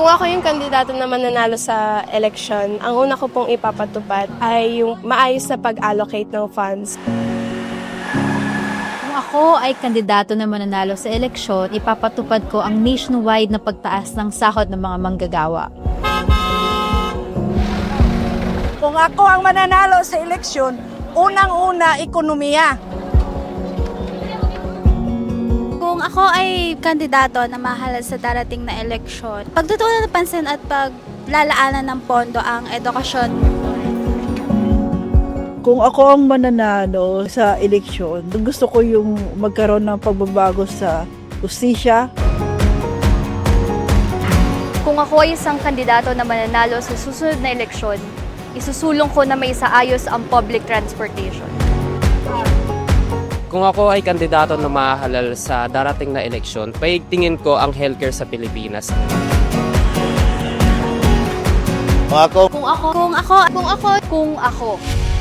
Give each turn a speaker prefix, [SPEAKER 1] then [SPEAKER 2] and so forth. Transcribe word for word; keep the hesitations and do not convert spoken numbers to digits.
[SPEAKER 1] Kung ako yung kandidato na mananalo sa eleksyon, ang una ko pong ipapatupad ay yung maayos na pag-allocate ng funds.
[SPEAKER 2] Kung ako ay kandidato na mananalo sa eleksyon, ipapatupad ko ang nationwide na pagtaas ng sahod ng mga manggagawa.
[SPEAKER 3] Kung ako ang mananalo sa eleksyon, unang-una, ekonomiya.
[SPEAKER 4] Kung ako ay kandidato na mahalal sa darating na eleksyon, pagtutunan ng pansin at paglalaanan ng pondo ang edukasyon.
[SPEAKER 5] Kung ako ang mananalo sa eleksyon, gusto ko yung magkaroon ng pagbabago sa justisya.
[SPEAKER 6] Kung ako ay isang kandidato na mananalo sa susunod na eleksyon, isusulong ko na may isaayos ang public transportation.
[SPEAKER 7] Kung ako ay kandidato na mahalal sa darating na eleksyon, paigtingin ko ang healthcare sa Pilipinas.
[SPEAKER 8] Kung ako,
[SPEAKER 4] Kung ako, kung ako, kung ako,
[SPEAKER 6] Kung ako